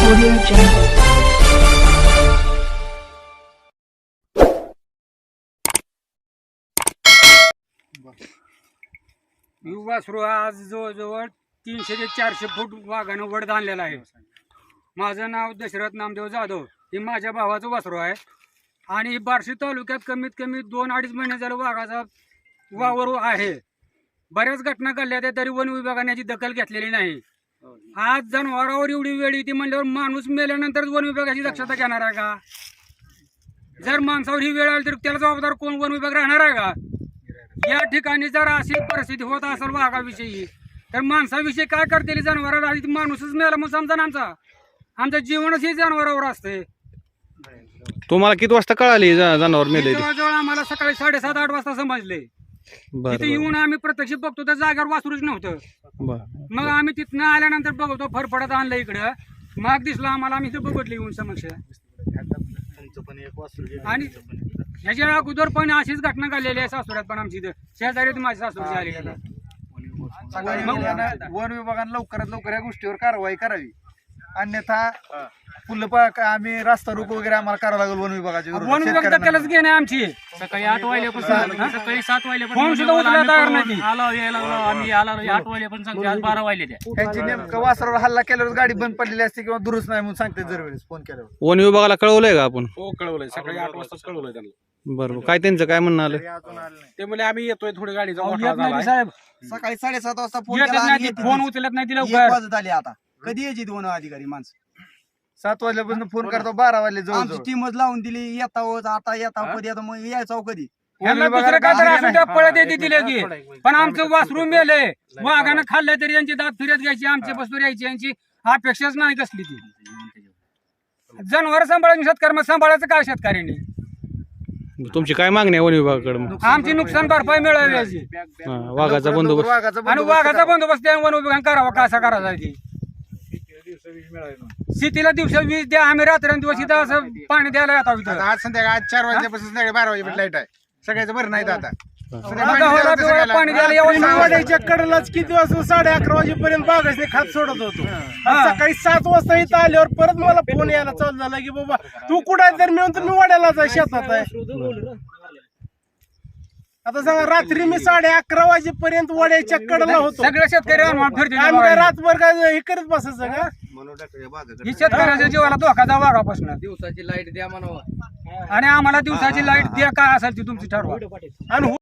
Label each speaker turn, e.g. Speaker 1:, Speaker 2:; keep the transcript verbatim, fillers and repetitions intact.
Speaker 1: Audio Jungle.
Speaker 2: वासरू आज जवळजवळ तीनशे ते चारशे फूट वाघानं वड आणलेला आहे. माझं नाव दशरथ नामदेव जाधव. हे माझ्या भावाचं वासरू आहे आणि बार्शी तालुक्यात कमीत कमी दोन अडीच महिने झालं वाघाचा वावर आहे. बऱ्याच घटना घडल्या त्या तरी वन विभागाने याची दखल घेतलेली नाही. आज जनावरावर एवढी वेळ येते म्हणल्यावर माणूस मेल्यानंतर वन विभागाची दक्षता घेणार आहे का? जर माणसावर ही वेळ आली तर त्याला जबाबदार कोण? वन विभाग राहणार आहे का? या ठिकाणी जर अशी परिस्थिती होत असेल वाघाविषयी तर माणसाविषयी काय करतील? जनावराला आधी माणूसच मेला मग समजा ना, आमचा आमचं जीवनच हे जनावरावर असते.
Speaker 3: तुम्हाला किती वाजता कळाली जनावर मेले?
Speaker 2: जवळजवळ आम्हाला सकाळी साडेसात आठ वाजता समजले. तिथे येऊन आम्ही प्रत्यक्ष बघतो तर जागेवर वासरूच नव्हतं. मग आम्ही तिथनं आल्यानंतर बघतो फरफडत आणलं इकडं. मग दिसलं आम्हाला, आम्ही इथं बघितलं येऊन समक्ष. आणि ह्याच्या अगोदर पण अशीच घटना घडलेली आहे सासुऱ्यात पण आमची इथं शेजारी माझी सासूरची आली.
Speaker 4: वन विभागाने लवकरात लवकर या गोष्टीवर कारवाई करावी, अन्यथा फुल आम्ही रास्ता रोको वगैरे आम्हाला करावं लागेल वन विभागाची.
Speaker 2: वन विभाग दखलच घेणे आमची.
Speaker 5: सकाळी आठ वाजल्यापासून सकाळी सात
Speaker 2: फोन सुद्धा
Speaker 5: वाजल्यापासून
Speaker 2: उचलायला तयार नाही.
Speaker 5: आलो यायला लागलो आम्ही आला आठ वाजल्यापासून सांगते आज बारा वाजले त्या.
Speaker 4: त्यांची नेमकं वासरावर हल्ला केल्यावर गाडी बंद पडलेली असते किंवा दुरुस्त नाही म्हणून सांगते दरवेळेस फोन केल्यावर.
Speaker 3: वन विभागाला कळवलंय का आपण?
Speaker 6: हो कळवलंय, सकाळी आठ वाजताच कळवलंय त्यांना.
Speaker 3: बरोबर. काय त्यांचं काय म्हणणं आलं?
Speaker 6: ते म्हणजे आम्ही येतोय, थोडी गाडीचा
Speaker 2: अहो,
Speaker 6: मोठा
Speaker 2: येत नाही
Speaker 6: झालाय.
Speaker 2: साहेब,
Speaker 7: सकाळी साडेसात वाजता फोन
Speaker 2: येतच
Speaker 7: केला
Speaker 2: नाही
Speaker 7: आणि
Speaker 2: ती,
Speaker 7: येत
Speaker 2: फोन
Speaker 7: नाही.
Speaker 2: उचलत नाही ती
Speaker 7: एक
Speaker 2: लवकर.
Speaker 7: वाजत आली. आता कधी यायची दोन अधिकारी माणसं?
Speaker 4: सात वाजल्यापासून फोन करतो बारा वाजले
Speaker 7: आमची
Speaker 4: जवळ
Speaker 7: टीमच लावून दिली. येताव आता येताव कधी आता मग यायचं कधी?
Speaker 2: यांना दुसरं काय तर असं त्या पळत येते तिला की. पण आमचं वासरू मेले, वाघानं खाल्लं तरी यांची दात फिरत घ्यायची, आमची बस्तूर यायची, यांची अपेक्षाच नाही कसली ती. जनावर सांभाळायची शेतकरी, मग सांभाळायचं काय शेतकऱ्यांनी?
Speaker 3: तुमची काय मागणी आहे वन विभागाकडे मग?
Speaker 2: आमची नुकसान भरपाई मिळावी याची
Speaker 3: हा, वाघाचा बंदोबस्त.
Speaker 4: वाघाचा
Speaker 2: आणि वाघाचा बंदोबस्त त्या वन विभागाने करावा. कसा करायचा ती? शेतीला दिवसा वीज द्या, आम्ही रात्रंदिवस इथं असं पाणी द्यायला येतो इथं.
Speaker 6: आज संध्याकाळी आज चार वाजल्यापासून संध्याकाळी बारा वाजेपर्यंत लाईट आहे. सगळ्याचं बरं नाही आता.
Speaker 2: गव्हाला बिव्हाला पाणी द्यायला यावं.
Speaker 8: वाड्याच्या कडेलाच किती वाजता साडे अकरा वाजेपर्यंत बागासने खात सोडत होतो. आणि सकाळी सात वाजता इथं आल्यावर परत मला फोन यायला चालू झाला की बाबा तू कुठं आहे? तर मी म्हणतो मी वाड्यालाच आहे, शेतात आहे. आता सांगा, रात्री मी साडे अकरा वाजेपर्यंत वाड्याच्या कडेला होतो.
Speaker 2: सगळे शेतकरी अनुमान फिरते
Speaker 8: आम्ही काय रातभर काय हे करत बसायचं का?
Speaker 2: ही शेतकऱ्याच्या जीवाला धोकाचा वाघापासून.
Speaker 7: दिवसाची लाईट द्या म्हणावं.
Speaker 2: आणि आम्हाला दिवसाची लाईट द्या, काय असेल ती तुमची ठरवा.
Speaker 8: आणि